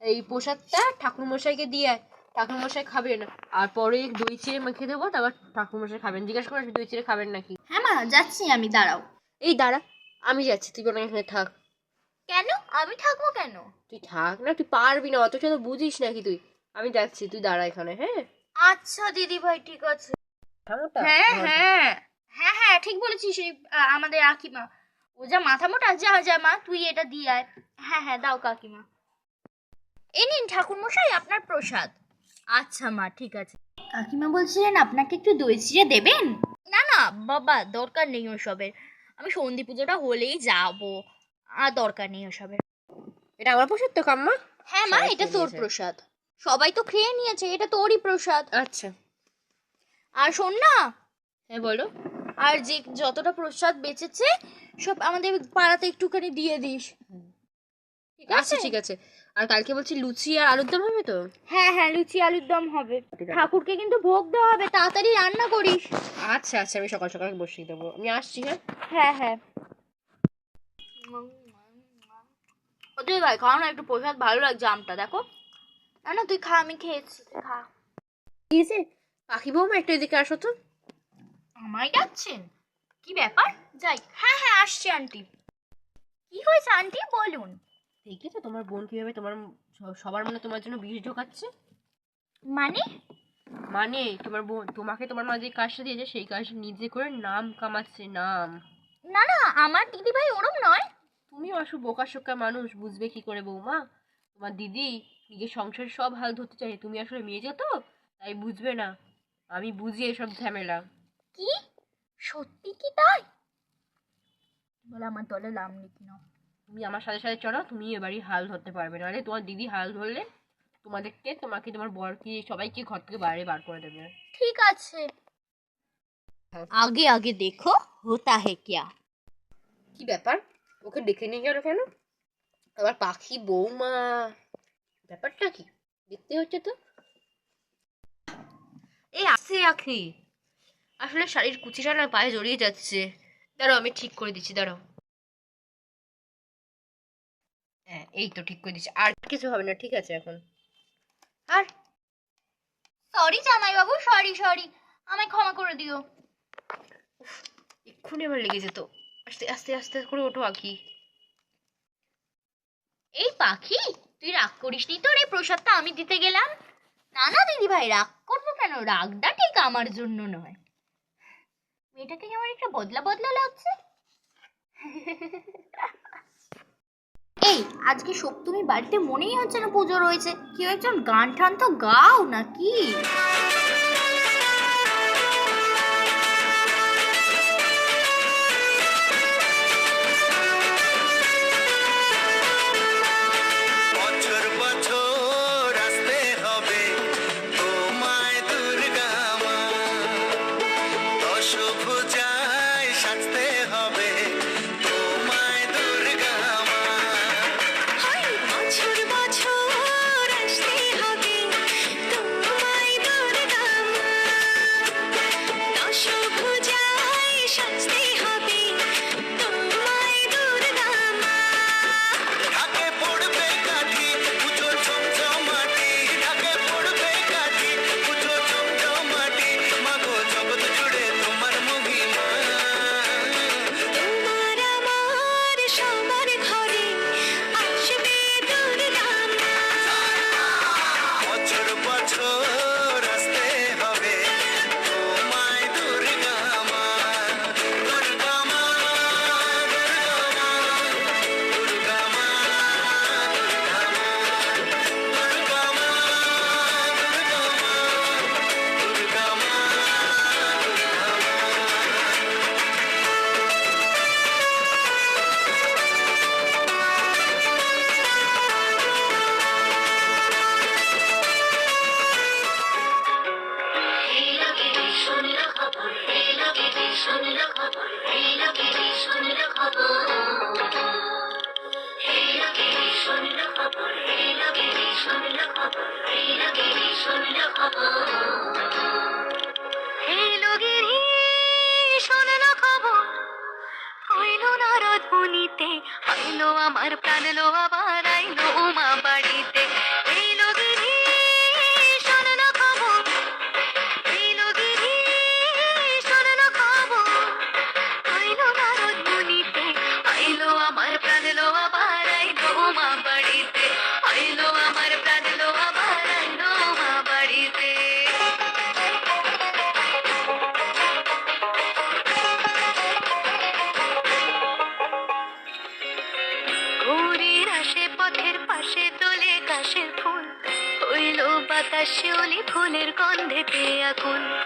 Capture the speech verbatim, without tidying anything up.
এই প্রসাদটা ঠাকুরমশাইকে দিয়ে ঠাকুরমশাই খাবেন, আর পরে দই চিড়ে মেখে দেবো, তারপর ঠাকুরমশাই খাবেন। জিজ্ঞাসা করে দই চিড়ে খাবেন নাকি। হ্যাঁ মা যাচ্ছি আমি, দাঁড়াও। এই দাঁড়া, আমি যাচ্ছি, তুই কোনো এখানে থাক। কেন আমি থাকবো কেন? তুই থাক না, তুই পারবি না, অত তো বুঝিস নাকি তুই। আমি যাচ্ছি, তুই দাঁড়া এখানে। হ্যাঁ আচ্ছা দিদি ভাই ঠিক আছে। হ্যাঁ হ্যাঁ হ্যাঁ হ্যাঁ ঠিক বলেছিস। এই আমাদের কাকিমা, ও যা মাথা মোটা, যা যা মা তুই এটা দিয়ে আয়। হ্যাঁ হ্যাঁ দাও কাকিমা, এই নিন ঠাকুর মশাই আপনার প্রসাদ। আচ্ছা মা ঠিক আছে। কাকিমা বলছিলেন আপনাকে একটু দই চিড়ে দেবেন? না না বাবা, দরকার নেই ওসবের, আমি সন্ধি পুজোটা হলেই যাবো, আর দরকার নেই ওসবের। এটা আমার প্রসাদ তো কাম্মা। হ্যাঁ মা এটা তোর প্রসাদ, সবাই তো খেয়ে নিয়েছে, এটা তোরই প্রসাদ। আচ্ছা আর শোন না। হ্যাঁ বলো। আর যে যতটা প্রসাদ বেঁচেছে সব আমাদের পাড়াতে একটুখানি দিয়ে দিস, ঠিক আছে? ঠিক আছে। আর কালকে বলছি লুচি আর আলুর দম হবে তো? হ্যাঁ হ্যাঁ লুচি আলুর দম হবে, ঠাকুরকে কিন্তু ভোগ দেওয়া হবে, তাড়াতাড়ি রান্না করিস। আচ্ছা আচ্ছা, আমি সকাল সকাল বসিয়ে দেবো, আমি আসছি। হ্যাঁ হ্যাঁ হ্যাঁ ওদের ভাই খাও না একটু প্রসাদ, ভালো লাগছে আমটা দেখো। না না তুই খা, আমি খেয়েছি, তুই খা। কি হয়েছে পাখি বৌমা, একটু এদিকে আসো তো। আমায় ডাকছেন? কি ব্যাপার? যাই। হ্যাঁ হ্যাঁ আসছি আন্টি। কি হয়েছে আন্টি বলুন। দেখেছো তোমার বোন কিভাবে তোমার সবার মনে তোমার জন্য বিষ ঢোকাচ্ছে? মানে? মানে তোমার বোন তোমাকে তোমার মা যে কাজটা দিয়েছে সেই কাজ নিজে করে নাম কামাচ্ছে, নাম। না না আমার দিদি ভাই ওরম নয়। তুমি আসো বোকা শোকা মানুষ, বুঝবে কি করে বৌমা? তোমার দিদি নিজের সংসার সব হাল ধরতে চাই, তুমি আসলে মেয়ে তো, তাই বুঝবে না। আমি বুঝি এসব ঝামেলা। কি সত্যি কি তাই? বলে আমার দলে নাম লিখি নাও। তুমি আমার সাথে সাথে চলো, তুমি এবারই হাল ধরতে পারবে, নাহলে তোমার দিদি হাল ধরলে তোমাদেরকে, তোমাকে, তোমার বরকে, সবাইকে ঘর থেকে বাইরে বার করে দেবে। ঠিক আছে, আগে আগে দেখো হোতা হে কিয়া। কি ব্যাপার, ওকে ডেকে নিয়ে গেল কেন? আবার পাখি বৌমা, ব্যাপারটা কি দেখতে হচ্ছে তো। এই আসে আখি, আসলে শাড়ির কুচিটা না পায়ে জড়িয়ে যাচ্ছে, দাঁড়াও আমি ঠিক করে দিচ্ছি, দাঁড়াও। হ্যাঁ এই তো ঠিক করে দিচ্ছি, আর কিছু হবে না, ঠিক আছে এখন। আর সরি জামাই বাবু, সরি সরি, আমায় ক্ষমা করে দিও। এক্ষুনি আমার লেগে যেত। আস্তে আস্তে আস্তে করে ওঠো আখি। এই পাখি তুই রাগ করিসনি তোর, এই প্রসাদটা আমি দিতে গেলাম। না না দিদি ভাই রাগ করবো কেন, রাগটা ঠিক আমার জন্য নয়। মেয়েটাকে কেমন একটা বদলা বদলা লাগছে। এই আজকে সপ্তমী বাড়িতে মনেই হচ্ছে না পুজো রয়েছে, কেউ একজন গান টান তো গাও নাকি। আমার প্রাণ লো আবার আইলো উমা বাড়িতে। বাতাস শিউলি ফুলের গন্ধেতে আকুল।